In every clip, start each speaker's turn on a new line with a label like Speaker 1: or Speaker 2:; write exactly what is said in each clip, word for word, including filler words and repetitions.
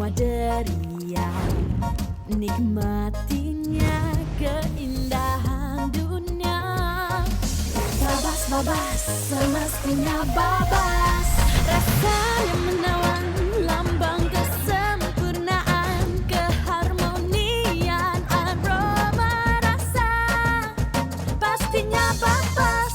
Speaker 1: deriah, nikmatinya keindahan dunia. Babas, babas, semestinya babas, rasanya menawan, lambang kesempurnaan, keharmonian, aroma rasa, pastinya babas.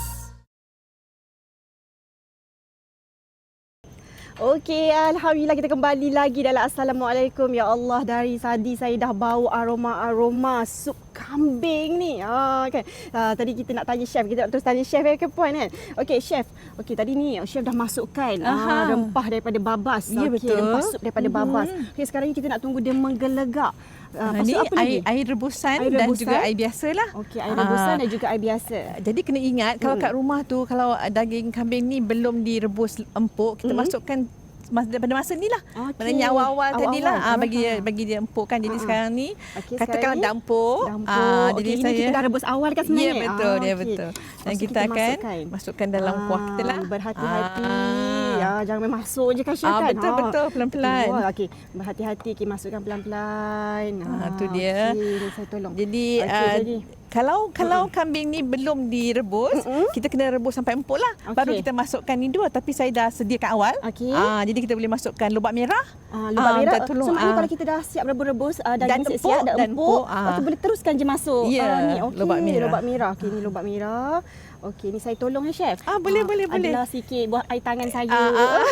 Speaker 2: Okey, Alhamdulillah kita kembali lagi dalam Assalamualaikum. Ya Allah, dari tadi saya dah bau aroma-aroma sup kambing ni. Ha, kan? Ha, tadi kita nak tanya chef, kita nak terus tanya chef ya ke Puan kan? Okey, chef. Okey, tadi ni chef dah masukkan ha, rempah daripada babas.
Speaker 3: Ya,
Speaker 2: okay,
Speaker 3: betul.
Speaker 2: Rempah sup daripada mm-hmm. babas. Okey, sekarang ni kita nak tunggu dia menggelegak.
Speaker 3: Uh, ini apa air, air rebusan air dan rebusan. Juga air biasa lah.
Speaker 2: Okey, air rebusan uh, dan juga air biasa.
Speaker 3: Jadi kena ingat kalau hmm. kat rumah tu, kalau daging kambing ni belum direbus empuk, kita hmm. masukkan daripada masa ni lah. Okay. Maknanya awal-awal tadi lah ah, bagi dia bagi dia empuk kan. Jadi uh-huh. sekarang ni okay, katakanlah dampur.
Speaker 2: Ah, jadi okay, saya, ini kita dah rebus awal kan sebenarnya.
Speaker 3: Ya betul,
Speaker 2: ah,
Speaker 3: dia
Speaker 2: okay.
Speaker 3: betul. Dan
Speaker 2: Maksud
Speaker 3: kita, kita akan masukkan, masukkan dalam kuah kita lah.
Speaker 2: Berhati-hati. Ah. Ya, jangan main masuk je kan chef
Speaker 3: ah,
Speaker 2: kan.
Speaker 3: Betul ha. betul pelan-pelan.
Speaker 2: Oh, okey. Berhati-hati, okay, masukkan pelan-pelan.
Speaker 3: Ah, tu dia.
Speaker 2: Okay, saya tolong.
Speaker 3: Jadi,
Speaker 2: okay,
Speaker 3: uh,
Speaker 2: jadi.
Speaker 3: Kalau kalau uh-uh. kambing ni belum direbus, uh-uh. kita kena rebus sampai empuk lah. Okay. Baru kita masukkan ni dua. Tapi saya dah sediakan awal. Okay. Ah, jadi kita boleh masukkan lubak merah.
Speaker 2: Ah, lubak ah, merah.
Speaker 3: Tolong,
Speaker 2: so,
Speaker 3: ah.
Speaker 2: kalau kita dah siap rebus-rebus, uh, daging
Speaker 3: dan
Speaker 2: siap, dah
Speaker 3: dan
Speaker 2: empuk,
Speaker 3: empuk ah.
Speaker 2: lepas tu boleh teruskan je masuk.
Speaker 3: Ya, yeah,
Speaker 2: ah, ni. Okay.
Speaker 3: lubak merah.
Speaker 2: Lubak merah. Okey, ni lubak merah. Okey, ni saya tolong ya chef.
Speaker 3: Ah, boleh, ah, boleh, boleh.
Speaker 2: Adalah sikit buat air tangan saya.
Speaker 3: Ah, ah.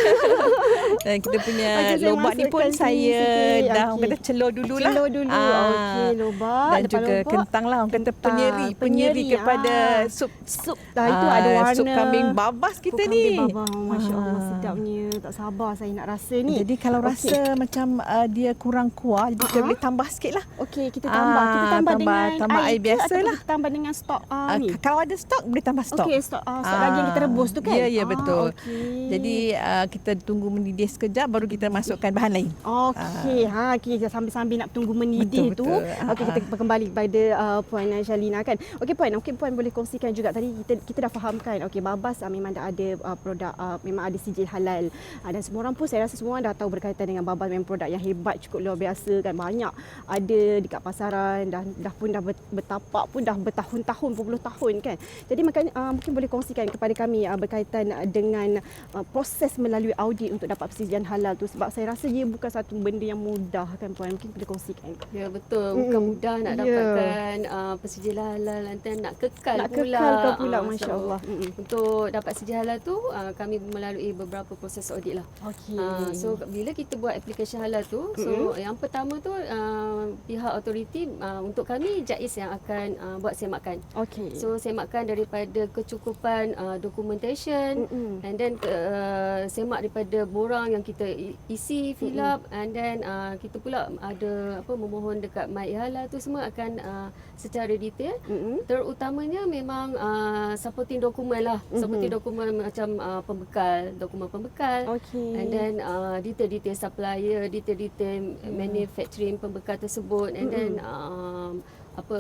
Speaker 3: Dan kita punya okay, lubak ni pun saya sikit. dah okay. kata celur dululah.
Speaker 2: Celur dulu. Ah. Okey, lubak.
Speaker 3: Dan juga lubak, kentang lah. Orang kata penyeri. Penyeri, penyeri kepada ah. sup.
Speaker 2: Sup. Dah itu ada warna.
Speaker 3: Sup kambing babas kita
Speaker 2: sup
Speaker 3: ni.
Speaker 2: Kambing babas. Masya Allah, ah. sedapnya. Tak sabar saya nak rasa ni.
Speaker 3: Jadi kalau okay. rasa macam uh, dia kurang kuah, jadi uh-huh. kita boleh tambah sikit lah.
Speaker 2: Okey, kita tambah. Ah, kita tambah, tambah dengan
Speaker 3: tambah air,
Speaker 2: air
Speaker 3: biasa lah.
Speaker 2: Kita tambah dengan stok uh,
Speaker 3: uh,
Speaker 2: ni.
Speaker 3: Kalau ada stok, boleh tambah stok.
Speaker 2: Okey, stok. Uh, stok ah. daging kita rebus tu kan?
Speaker 3: Ya, ya betul.
Speaker 2: Ah, okay.
Speaker 3: Jadi uh, kita tunggu mendidih sekejap, baru kita masukkan bahan lain.
Speaker 2: Okey, ah. ha, kita sambil-sambil nak tunggu mendidih betul, tu. Okey, kita kembali kepada uh, Puan Shalina kan. Okey Puan, okey Puan boleh kongsikan juga tadi kita kita dah fahamkan. Okey, babas uh, memang dah ada uh, produk, uh, memang ada sijil halal. Uh, dan semua orang pun saya rasa semua orang dah tahu berkaitan dengan babas, memang produk yang hebat, cukup luar biasa kan. Banyak ada dekat pasaran, dah dah pun dah bertapak pun dah bertahun-tahun, berpuluh tahun kan. Jadi makanya uh, mungkin boleh kongsikan kepada kami uh, berkaitan dengan uh, proses melalui audit untuk dapat persediaan halal tu, sebab saya rasa dia bukan satu benda yang mudah kan Puan. Mungkin boleh kongsikan.
Speaker 4: Ya betul, bukan mm. mudah nak yeah. dapatkan uh, persediaan halal dan nak kekal
Speaker 2: nak
Speaker 4: pula.
Speaker 2: Nak kekal pula uh,
Speaker 4: masya-Allah. So, untuk dapat persediaan halal tu uh, kami melalui beberapa proses audit lah.
Speaker 2: Okey.
Speaker 4: Uh, so bila kita buat aplikasi halal tu, so mm-hmm. yang pertama tu uh, pihak autoriti uh, untuk kami JAIS yang akan uh, buat semakan.
Speaker 2: Okey.
Speaker 4: So semakan daripada kecukupan uh, documentation mm-hmm. and then uh, semak daripada borang yang kita isi, fill up mm-hmm. and then uh, kita pula ada apa memohon dekat MyHalal tu semua akan uh, secara detail. Mm-hmm. Terutamanya memang uh, supporting dokumen lah. Mm-hmm. Supporting dokumen macam uh, pembekal, dokumen pembekal.
Speaker 2: Okay.
Speaker 4: And then uh, detail-detail supplier, detail-detail mm. manufacturing pembekal tersebut and mm-hmm. then um, apa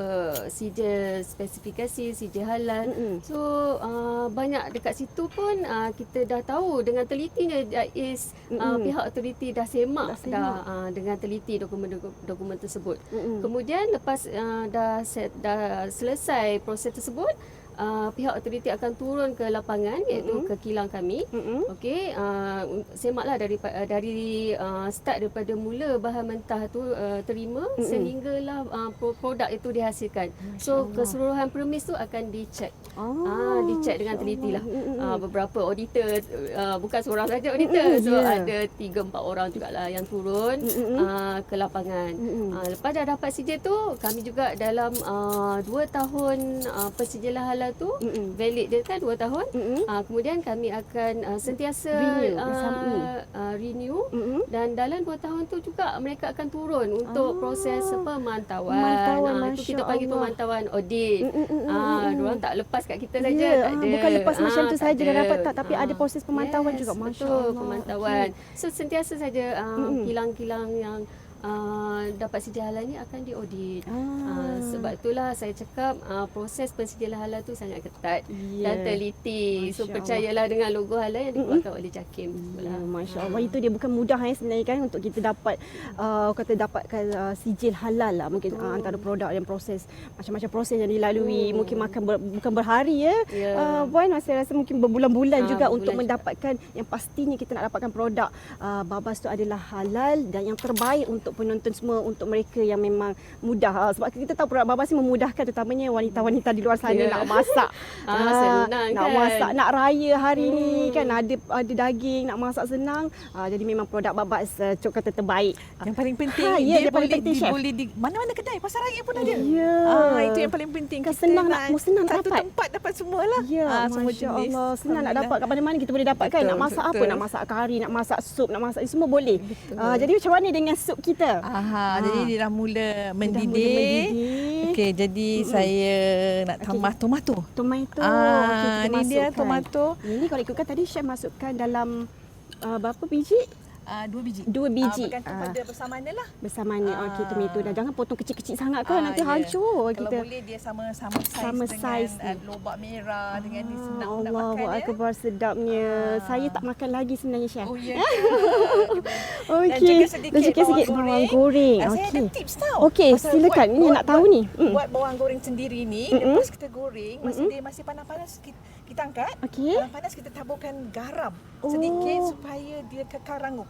Speaker 4: sijil spesifikasi, sijil halal. Mm-hmm. So uh, banyak dekat situ pun uh, kita dah tahu dengan telitinya JAIS mm-hmm. uh, pihak autoriti dah semak dah, semak. dah uh, dengan teliti dokumen-dokumen tersebut. Mm-hmm. Kemudian lepas uh, dah set, dah selesai proses tersebut, Uh, pihak autoriti akan turun ke lapangan iaitu mm-hmm. ke kilang kami. Mm-hmm. Okey, uh, semaklah dari uh, dari uh, start daripada mula bahan mentah tu uh, terima mm-hmm. sehinggalah uh, produk itu dihasilkan. Masya so Allah. Keseluruhan premis tu akan dicek. Oh, uh, dicek dengan teliti lah. Mm-hmm. Uh, beberapa auditor, uh, bukan seorang saja auditor. Mm-hmm. So yeah. ada tiga empat orang jugalah yang turun mm-hmm. uh, ke lapangan. Mm-hmm. Uh, lepas dah dapat sijil tu, kami juga dalam uh, dua tahun uh, persijilan halal tu mm-hmm. valid dia kan dua tahun. Mm-hmm. Uh, kemudian kami akan uh, sentiasa renew, uh, uh, renew. Mm-hmm. Dan dalam dua tahun tu juga mereka akan turun untuk ah. proses pemantauan. Pemantauan uh, itu kita panggil Allah. Pemantauan audit. Mm-hmm. Uh, diorang tak lepas kat kita saja, yeah. tak ada.
Speaker 2: Bukan lepas uh, macam tu saja dah dapat tak, tapi uh, ada proses pemantauan
Speaker 4: yes,
Speaker 2: juga, masya
Speaker 4: betul,
Speaker 2: Allah.
Speaker 4: Pemantauan. Okay. So sentiasa saja uh, mm-hmm. kilang-kilang yang uh, dapat sedia halal ni akan diaudit.
Speaker 2: Ah.
Speaker 4: Uh, sebab itulah saya cakap uh, proses pensediaan halal tu sangat ketat
Speaker 2: Ya.
Speaker 4: dan teliti. So
Speaker 2: Masya
Speaker 4: percayalah dengan logo halal yang dikeluarkan oleh JAKIM.
Speaker 2: Ya, Masya Allah, itu dia bukan mudah eh sebenarnya kan untuk kita dapat uh, kata dapatkan uh, sijil halal lah mungkin uh, antara produk yang proses macam-macam proses yang dilalui
Speaker 4: Hmm.
Speaker 2: mungkin makan ber, bukan berhari ya.
Speaker 4: Ya.
Speaker 2: Uh, Puan saya rasa mungkin berbulan-bulan
Speaker 4: Ah,
Speaker 2: juga
Speaker 4: berbulan
Speaker 2: untuk
Speaker 4: juga.
Speaker 2: mendapatkan yang pastinya kita nak dapatkan produk uh, Babas tu adalah halal dan yang terbaik untuk penonton semua, untuk mereka yang memang mudah. Uh, sebab kita tahu produk Babas ni memudahkan terutamanya wanita-wanita di luar sana
Speaker 4: Ya.
Speaker 2: nak masak.
Speaker 4: Ah,
Speaker 2: Ah,
Speaker 4: senang
Speaker 2: nak
Speaker 4: kan?
Speaker 2: masak, nak raya hari ni
Speaker 4: Hmm.
Speaker 2: kan ada ada daging, nak masak senang. Ah, jadi memang produk Babas uh, cok kata terbaik.
Speaker 3: Yang paling penting,
Speaker 2: Ha, ya,
Speaker 3: dia,
Speaker 2: dia paling
Speaker 3: boleh,
Speaker 2: penting,
Speaker 3: di,
Speaker 2: Chef.
Speaker 3: boleh di mana-mana kedai, pasar raya pun ada.
Speaker 2: Ya.
Speaker 3: Ah, itu yang paling penting.
Speaker 2: Kan
Speaker 3: Kita
Speaker 2: senang nak- senang nak
Speaker 3: satu
Speaker 2: dapat.
Speaker 3: tempat dapat semualah.
Speaker 2: Ya,
Speaker 3: Ah, semua
Speaker 2: Masya
Speaker 3: jenis.
Speaker 2: Allah. Senang nak
Speaker 3: Alhamdulillah.
Speaker 2: dapat kat mana-mana kita boleh dapatkan.
Speaker 3: Betul,
Speaker 2: Nak masak apa?
Speaker 3: betul.
Speaker 2: Nak masak kari, nak masak sup, nak masak semua boleh. Ah, jadi macam mana dengan sup kita?
Speaker 3: Aha,
Speaker 2: Ah.
Speaker 3: jadi dia dah mula
Speaker 2: Dah
Speaker 3: mendidih.
Speaker 2: mula mendidih.
Speaker 3: Okey, jadi saya nak
Speaker 2: Okey.
Speaker 3: tambah tomato.
Speaker 2: Tomato.
Speaker 3: Ah,
Speaker 2: Okey, kita
Speaker 3: ni dia
Speaker 2: masukkan.
Speaker 3: tomato.
Speaker 2: Ini kalau ikutkan tadi chef masukkan dalam uh, berapa biji?
Speaker 3: Uh, dua biji.
Speaker 2: Dua biji.
Speaker 3: Ah, bergantung
Speaker 2: Ah.
Speaker 3: pada bersamaan lah.
Speaker 2: Bersamaan ni.
Speaker 3: Ah.
Speaker 2: Okey, tomato dah. Jangan potong kecil-kecil sangat kan.
Speaker 3: Ah,
Speaker 2: Nanti
Speaker 3: ya.
Speaker 2: hancur
Speaker 3: Kalau
Speaker 2: kita.
Speaker 3: boleh dia sama-sama saiz
Speaker 2: Sama
Speaker 3: dengan
Speaker 2: saiz
Speaker 3: uh,
Speaker 2: ni.
Speaker 3: lobak merah dengan dia senang
Speaker 2: Ah,
Speaker 3: nak
Speaker 2: Allahu
Speaker 3: makan ya.
Speaker 2: Akbar, sedapnya.
Speaker 3: Ah.
Speaker 2: Saya tak makan lagi sebenarnya chef.
Speaker 3: Oh ya.
Speaker 2: Okey.
Speaker 3: juga sedikit
Speaker 2: Dan sikit-sikit
Speaker 3: bawang
Speaker 2: bawang
Speaker 3: goreng.
Speaker 2: goreng.
Speaker 3: Ah, saya ada
Speaker 2: Okey.
Speaker 3: tips tau.
Speaker 2: Okey,
Speaker 3: Pasal
Speaker 2: silakan.
Speaker 3: buat-
Speaker 2: Ini
Speaker 3: buat-
Speaker 2: nak tahu
Speaker 3: buat-
Speaker 2: ni. Mm.
Speaker 3: Buat bawang goreng sendiri ni,
Speaker 2: Mm-mm.
Speaker 3: lepas kita goreng, masa
Speaker 2: Mm-mm.
Speaker 3: dia masih panas-panas kita, kita angkat.
Speaker 2: Okey.
Speaker 3: Dalam panas kita taburkan garam sedikit
Speaker 2: Oh.
Speaker 3: supaya dia kekal rangup.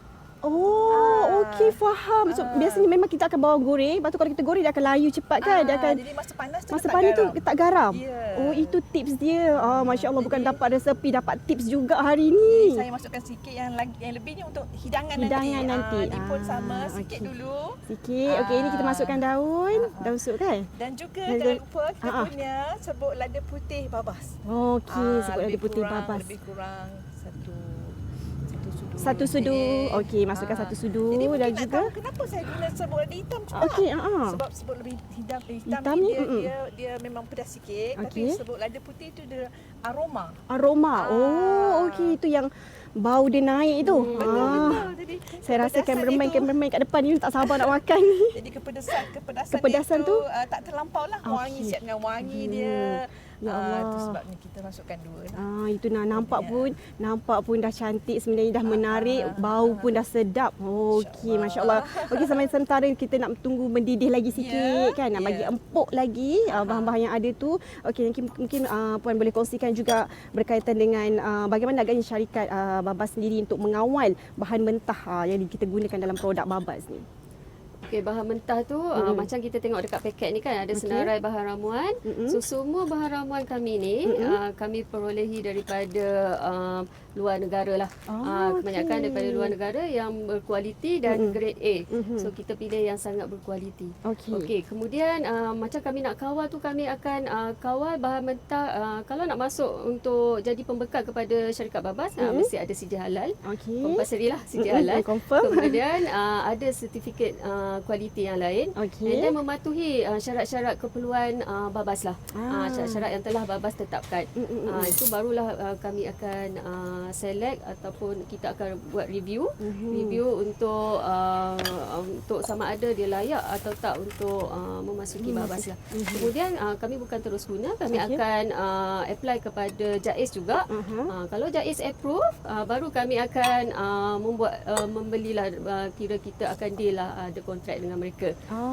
Speaker 2: Oh,
Speaker 3: Ah.
Speaker 2: okey, faham. So,
Speaker 3: Ah.
Speaker 2: biasanya memang kita akan bawang goreng. Lepas tu kalau kita goreng dia akan layu cepat kan. Dia
Speaker 3: Ah,
Speaker 2: akan
Speaker 3: jadi masa panas tu
Speaker 2: masa
Speaker 3: letak
Speaker 2: panas tu
Speaker 3: garam.
Speaker 2: letak garam.
Speaker 3: Ya.
Speaker 2: Oh, itu tips dia. Ah, Masya Allah, bukan
Speaker 3: Jadi-
Speaker 2: dapat resepi, dapat tips juga hari
Speaker 3: Jadi
Speaker 2: ni.
Speaker 3: saya masukkan sikit yang lagi yang lebihnya untuk hidangan,
Speaker 2: Hidangan
Speaker 3: nanti.
Speaker 2: nanti.
Speaker 3: Ah, ni pun
Speaker 2: Ah,
Speaker 3: sama sikit
Speaker 2: okey.
Speaker 3: dulu.
Speaker 2: Sikit. Okey, ini kita
Speaker 3: Ah.
Speaker 2: masukkan daun.
Speaker 3: Ah, ah.
Speaker 2: Daun sup kan?
Speaker 3: Dan juga
Speaker 2: Dan-
Speaker 3: jangan lupa kita
Speaker 2: Ah, ah.
Speaker 3: punya serbuk lada putih babas.
Speaker 2: Okey,
Speaker 3: Ah,
Speaker 2: sebut ada
Speaker 3: lebih
Speaker 2: putih
Speaker 3: kurang,
Speaker 2: babas.
Speaker 3: Lebih kurang satu satu sudu.
Speaker 2: Satu sudu.
Speaker 3: lebih.
Speaker 2: Okey, masukkan satu sudu
Speaker 3: Jadi mungkin
Speaker 2: dan
Speaker 3: nak
Speaker 2: juga-
Speaker 3: tahu kenapa saya guna serbuk lada hitam juga.
Speaker 2: Okey, ah, ah.
Speaker 3: Sebab serbuk lebih hitam, eh, hitam,
Speaker 2: Hitam
Speaker 3: ni
Speaker 2: ni,
Speaker 3: dia,
Speaker 2: mm-mm.
Speaker 3: dia dia memang pedas sikit, tapi
Speaker 2: Okey.
Speaker 3: serbuk lada putih tu dia aroma.
Speaker 2: Aroma. Oh,
Speaker 3: Ah.
Speaker 2: okey, itu yang bau dia naik tu.
Speaker 3: Hmm, betul,
Speaker 2: Ah.
Speaker 3: betul. Jadi
Speaker 2: Saya rasa
Speaker 3: kepedasan
Speaker 2: kameraman-kameraman
Speaker 3: itu-
Speaker 2: kat depan ni tak sabar nak makan ni.
Speaker 3: Jadi kepedasan kepedasan,
Speaker 2: Kepedasan
Speaker 3: itu
Speaker 2: tu?
Speaker 3: uh, tak terlampau lah. Wangi,
Speaker 2: Okey.
Speaker 3: siap dengan wangi
Speaker 2: Hmm.
Speaker 3: dia.
Speaker 2: Ya
Speaker 3: Ah,
Speaker 2: Allah.
Speaker 3: itu sebabnya kita masukkan dua lah.
Speaker 2: Ah, itu nak nampak
Speaker 3: Ya.
Speaker 2: pun nampak pun dah cantik sebenarnya, dah
Speaker 3: Ah,
Speaker 2: menarik,
Speaker 3: ah,
Speaker 2: bau
Speaker 3: ah.
Speaker 2: pun dah sedap. Okey,
Speaker 3: Masya-Allah.
Speaker 2: masya-Allah. Okey, sampai sementara kita nak tunggu mendidih lagi sikit
Speaker 3: Ya,
Speaker 2: kan, nak
Speaker 3: ya.
Speaker 2: bagi empuk lagi ah, bahan-bahan yang ada tu. Okey, mungkin mungkin ah, puan boleh kongsikan juga berkaitan dengan ah, bagaimana agaknya syarikat ah, Babas sendiri untuk mengawal bahan mentah ah, yang kita gunakan dalam produk Babas ni.
Speaker 4: Okey, bahan mentah tu uh,
Speaker 2: Mm-mm.
Speaker 4: macam kita tengok dekat paket ni kan ada
Speaker 2: Okey.
Speaker 4: senarai bahan ramuan.
Speaker 2: Mm-mm.
Speaker 4: So semua bahan ramuan kami ni
Speaker 2: Mm-mm.
Speaker 4: uh, kami perolehi daripada uh, luar negara lah.
Speaker 2: Oh,
Speaker 4: Ah, kebanyakan
Speaker 2: okey.
Speaker 4: daripada luar negara yang berkualiti dan
Speaker 2: Mm-mm.
Speaker 4: grade A.
Speaker 2: Mhm.
Speaker 4: So kita pilih yang sangat berkualiti.
Speaker 2: Okey.
Speaker 4: Okey, kemudian uh, macam kami nak kawal tu kami akan uh, kawal bahan mentah uh, kalau nak masuk untuk jadi pembekal kepada syarikat Babas uh,
Speaker 2: Mm-mm.
Speaker 4: mesti ada sedia halal.
Speaker 2: Okey.
Speaker 4: Compulsory lah sedia
Speaker 2: Mm-mm,
Speaker 4: halal.
Speaker 2: confirm.
Speaker 4: Kemudian uh, ada sertifikat uh, kualiti yang lain.
Speaker 2: Okey.
Speaker 4: And then mematuhi uh, syarat-syarat keperluan uh, Babas lah.
Speaker 2: Ah.
Speaker 4: Ah. Uh, syarat-syarat yang telah Babas tetapkan.
Speaker 2: Mm, mm, mm,
Speaker 4: Uh,
Speaker 2: mm.
Speaker 4: itu barulah uh, kami akan uh, select ataupun kita akan buat review.
Speaker 2: Mhm.
Speaker 4: Review untuk uh, untuk sama ada dia layak atau tak untuk uh, memasuki Babas lah.
Speaker 2: Mhm.
Speaker 4: Kemudian uh, kami bukan terus guna, kami
Speaker 2: Okey.
Speaker 4: akan uh, apply kepada JAIS juga.
Speaker 2: Aha.
Speaker 4: Uh, kalau JAIS approve, uh, baru kami akan uh, membuat uh, membelilah uh, kira kita akan deal lah uh, ada kontrak dengan mereka.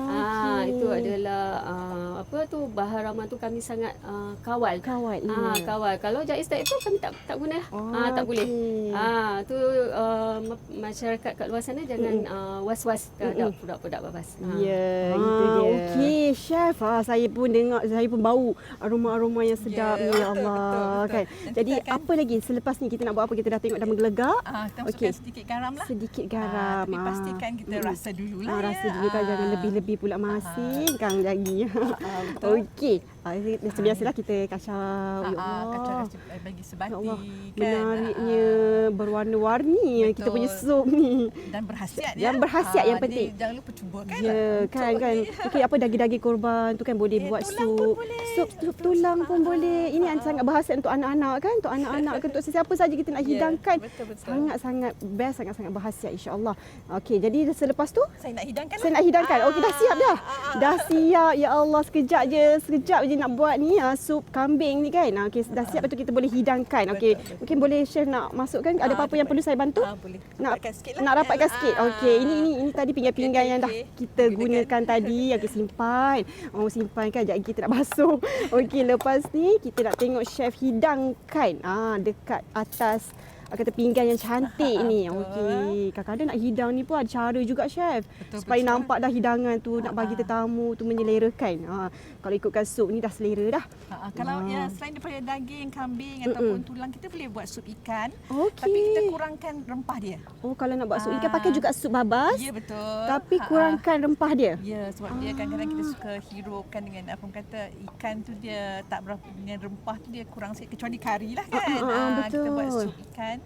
Speaker 4: Ah,
Speaker 2: Okey.
Speaker 4: itu adalah uh, apa tu bahan ramuan tu kami sangat uh, kawal.
Speaker 2: Kawal.
Speaker 4: Ah,
Speaker 2: ya.
Speaker 4: kawal. Kalau JAIS tak approve kami tak tak guna.
Speaker 2: Oh,
Speaker 4: Ah, tak boleh.
Speaker 2: okey.
Speaker 4: Ah, tu uh, ma- masyarakat kat luar sana jangan uh, was-was terhadap produk-produk Babas. Ah.
Speaker 2: Ya,
Speaker 3: Ah,
Speaker 2: itu dia. Okey, chef. Ah, saya pun dengar, saya pun bau aroma-aroma yang sedap
Speaker 3: Ya,
Speaker 2: ni,
Speaker 3: betul,
Speaker 2: ya Allah.
Speaker 3: betul, betul.
Speaker 2: Kan.
Speaker 3: Dan
Speaker 2: Jadi
Speaker 3: kita akan-
Speaker 2: apa lagi selepas ni kita nak buat apa? Kita dah tengok dah menggelegak.
Speaker 3: Ah, kita
Speaker 2: Okey.
Speaker 3: masukkan sedikit garam lah.
Speaker 2: Sedikit
Speaker 3: Ah,
Speaker 2: garam.
Speaker 3: tapi pastikan kita
Speaker 2: Mm-mm.
Speaker 3: rasa dululah
Speaker 2: Ah,
Speaker 3: ya.
Speaker 2: rasa dulu kan,
Speaker 3: Ah.
Speaker 2: jangan lebih-lebih pula masin kan lagi.
Speaker 3: Ah, betul.
Speaker 2: Okey. Ah, macam biasalah kita kacau. Ya
Speaker 3: Ah,
Speaker 2: Allah.
Speaker 3: kacau rasa bagi sebati
Speaker 2: Ya Allah.
Speaker 3: kan.
Speaker 2: Menariknya,
Speaker 3: Ah,
Speaker 2: berwarna-warni kita punya
Speaker 3: Betul.
Speaker 2: sup ni.
Speaker 3: dan berhasiat
Speaker 2: Yang
Speaker 3: ya.
Speaker 2: berhasiat yang
Speaker 3: Ah,
Speaker 2: penting.
Speaker 3: jadi jangan lupa cuba kan.
Speaker 2: Ya,
Speaker 3: untuk
Speaker 2: kan kan.
Speaker 3: ni.
Speaker 2: Okey, apa daging-daging korban tu kan boleh
Speaker 3: Ya,
Speaker 2: buat
Speaker 3: tulang
Speaker 2: sup.
Speaker 3: pun boleh.
Speaker 2: Sup, sup tulang pun boleh. Ini
Speaker 3: Ah,
Speaker 2: sangat berhasiat untuk anak-anak kan, untuk anak-anak ke untuk sesiapa saja kita nak
Speaker 3: Ya,
Speaker 2: hidangkan.
Speaker 3: betul, betul.
Speaker 2: Sangat-sangat best, sangat-sangat berhasiat insya-Allah. Okey, jadi selepas tu
Speaker 3: Saya nak hidangkan.
Speaker 2: saya nak hidangkan. Okey, dah siap dah. Dah siap. Ya Allah, sekejap je. Sekejap je nak buat ni ah, sup kambing ni kan. Ah, Okey, dah siap betul kita boleh hidangkan. Okey.
Speaker 3: Betul, betul.
Speaker 2: Mungkin boleh chef nak masukkan ada
Speaker 3: Ah,
Speaker 2: apa-apa yang
Speaker 3: dapat.
Speaker 2: perlu saya bantu?
Speaker 3: Ah, boleh.
Speaker 2: Nak
Speaker 3: Rapatkan sikit lah.
Speaker 2: nak rapatkan
Speaker 3: Ah,
Speaker 2: sikit.
Speaker 3: ah.
Speaker 2: Okey, ini ini ini tadi pinggan-pinggan
Speaker 3: Okey,
Speaker 2: yang dah
Speaker 3: okey.
Speaker 2: kita gunakan tadi. Okey, simpan. Oh, simpan kan jadi kita nak basuh. Okey, lepas ni kita nak tengok chef hidangkan ah dekat atas ah, kata pinggan yang cantik ni.
Speaker 3: Betul.
Speaker 2: Okey, kadang-kadang nak hidang ni pun ada cara juga chef.
Speaker 3: Betul,
Speaker 2: Supaya
Speaker 3: betul.
Speaker 2: nampak dah hidangan tu nak bagi
Speaker 3: Ah.
Speaker 2: tetamu tu menyelerakan. Ha, kalau ikutkan sup ni dah selera dah.
Speaker 3: Ha, ha, kalau
Speaker 2: Ah.
Speaker 3: ya selain daripada daging, kambing
Speaker 2: Mm-mm.
Speaker 3: ataupun tulang, kita boleh buat sup ikan.
Speaker 2: Okey.
Speaker 3: Tapi kita kurangkan rempah dia.
Speaker 2: Oh, kalau nak buat sup ikan
Speaker 3: Ah.
Speaker 2: pakai juga sup babas.
Speaker 3: Ya, betul.
Speaker 2: Tapi
Speaker 3: Ha, ha.
Speaker 2: kurangkan rempah dia.
Speaker 3: Ya, sebab dia kadang-kadang kita suka hirupkan dengan apa orang kata ikan tu dia tak berapa dengan rempah tu dia kurang sikit kecuali kari lah kan.
Speaker 2: Ah, ah, ah,
Speaker 3: Ah, kita buat
Speaker 2: betul.
Speaker 3: sup ikan.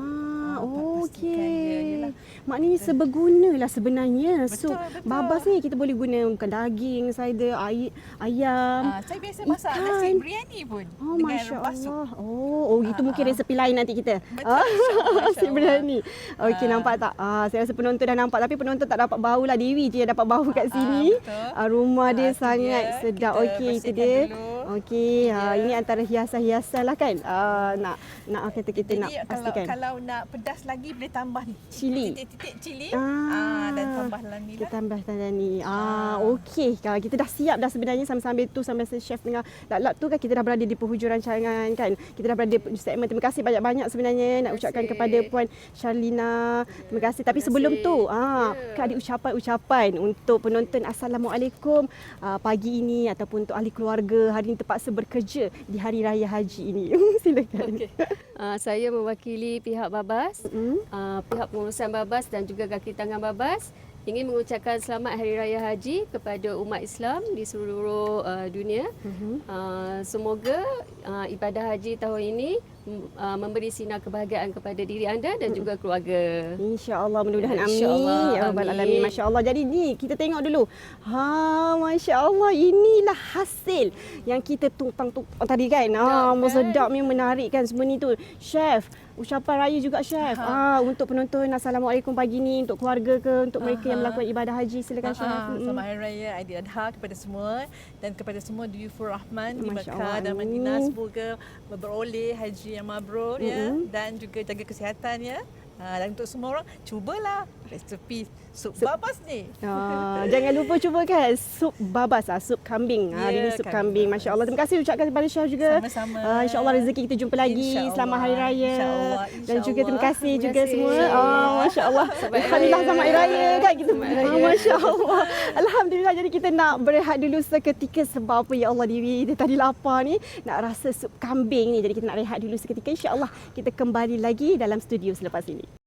Speaker 2: Ah,
Speaker 3: Ah, pastikan dia,
Speaker 2: okey.
Speaker 3: yelah.
Speaker 2: Maknanya sebergunalah sebenarnya
Speaker 3: Betul,
Speaker 2: sup
Speaker 3: betul.
Speaker 2: babas ni kita boleh guna bukan daging, cider, air, ayam.
Speaker 3: Ah, saya biasa masak
Speaker 2: ikan.
Speaker 3: nasi biryani pun
Speaker 2: Oh,
Speaker 3: dengan
Speaker 2: Masya
Speaker 3: rempah sup.
Speaker 2: Allah. Oh, oh itu
Speaker 3: Ah,
Speaker 2: mungkin
Speaker 3: ah.
Speaker 2: resepi lain nanti kita.
Speaker 3: Betul, insyaAllah,
Speaker 2: Nasi
Speaker 3: insyaAllah.
Speaker 2: biryani. Okey,
Speaker 3: Ah.
Speaker 2: nampak tak? Ah, saya rasa penonton dah nampak tapi penonton tak dapat bau lah. Dewi je yang dapat bau kat
Speaker 3: Ah,
Speaker 2: sini.
Speaker 3: betul.
Speaker 2: Ah, rumah dia
Speaker 3: Ah, tu
Speaker 2: sangat
Speaker 3: dia.
Speaker 2: sedap.
Speaker 3: Kita
Speaker 2: Okey, itu
Speaker 3: bersihkan
Speaker 2: dia.
Speaker 3: dulu.
Speaker 2: Okey, ah,
Speaker 3: Ya.
Speaker 2: ini antara hiasan-hiasan lah kan. Ah, nak nak kata kita
Speaker 3: Jadi
Speaker 2: nak
Speaker 3: kalau
Speaker 2: pastikan.
Speaker 3: kalau nak pedas lagi boleh tambah ni.
Speaker 2: Cili.
Speaker 3: Titik-titik cili.
Speaker 2: Ah.
Speaker 3: Ah, dan tambah dalam ni
Speaker 2: Kita
Speaker 3: lah.
Speaker 2: tambah tanda ni. Ah,
Speaker 3: Ah.
Speaker 2: okey. Kalau kita dah siap dah sebenarnya sambil-sambil tu sambil chef tengah lap-lap tu kan kita dah berada di penghujung rancangan kan. Kita dah berada di segmen. Terima kasih banyak-banyak sebenarnya nak
Speaker 4: Terima
Speaker 2: ucapkan
Speaker 4: kasih.
Speaker 2: kepada Puan Sharlina. Terima kasih. Tapi
Speaker 4: Terima
Speaker 2: sebelum
Speaker 4: kasih.
Speaker 2: tu, ah,
Speaker 4: Ya.
Speaker 2: kan ada ucapan-ucapan untuk penonton Assalamualaikum ah, pagi ini ataupun untuk ahli keluarga hari ini terpaksa bekerja di Hari Raya Haji ini. Silakan.
Speaker 4: Okey. Uh, saya mewakili pihak Babas,
Speaker 2: Mm.
Speaker 4: uh, pihak pengurusan Babas dan juga kaki tangan Babas ingin mengucapkan selamat Hari Raya Haji kepada umat Islam di seluruh uh, dunia.
Speaker 2: Mhm.
Speaker 4: Uh, semoga uh, ibadah haji tahun ini mm, uh, memberi sinar kebahagiaan kepada diri anda dan juga keluarga.
Speaker 2: InsyaAllah mudah-mudahan amin.
Speaker 4: InsyaAllah,
Speaker 2: Ya Rabbal
Speaker 4: amin.
Speaker 2: Alamin. Masya Allah. Jadi ni kita tengok dulu. Ha, Masya Allah. Inilah hasil yang kita tumpang-tumpang tadi kan. Ah,
Speaker 4: kan?
Speaker 2: sedapnya menarik kan semua ni tu. Chef, ucapan raya juga chef. Ah, untuk penonton Assalamualaikum pagi ni untuk keluarga ke untuk mereka yang
Speaker 3: Aha.
Speaker 2: melakukan ibadah haji silakan chef.
Speaker 3: Ah,
Speaker 2: Mm-mm.
Speaker 3: Selamat Hari Raya Aidiladha kepada semua dan kepada semua Duyufur Rahman di
Speaker 2: Masya
Speaker 3: Mekah
Speaker 2: Allah,
Speaker 3: dan
Speaker 2: amin.
Speaker 3: Madinah, semoga beroleh haji yang mabrur ya
Speaker 2: Mm-mm.
Speaker 3: dan juga jaga kesihatan ya. Ha, dan untuk semua orang cubalah resepi sup
Speaker 2: Sup-
Speaker 3: babas ni.
Speaker 2: Ah, jangan lupa cuba kan sup babas ah, sup kambing. Ah, hari
Speaker 3: Ya,
Speaker 2: ni sup
Speaker 3: kambing
Speaker 2: kambing. Masya Allah. Terima kasih ucapkan kepada chef juga.
Speaker 3: Sama-sama.
Speaker 2: Ah, InsyaAllah rezeki kita jumpa lagi.
Speaker 3: InsyaAllah.
Speaker 2: Selamat Hari Raya.
Speaker 3: InsyaAllah.
Speaker 2: Dan juga terima
Speaker 3: InsyaAllah.
Speaker 2: kasih
Speaker 4: Terima
Speaker 2: juga
Speaker 4: kasih.
Speaker 2: semua.
Speaker 4: InsyaAllah.
Speaker 2: Ah, Masya Allah.
Speaker 4: Selamat Hari
Speaker 2: Alhamdulillah
Speaker 4: Raya.
Speaker 2: selamat Hari Raya kan kita.
Speaker 4: Selamat Hari
Speaker 2: Ah,
Speaker 4: Raya.
Speaker 2: Masya Allah. Alhamdulillah jadi kita nak berehat dulu seketika sebab apa ya Allah Dewi dia tadi lapar ni nak rasa sup kambing ni. Jadi kita nak rehat dulu seketika. InsyaAllah kita kembali lagi dalam studio selepas ini.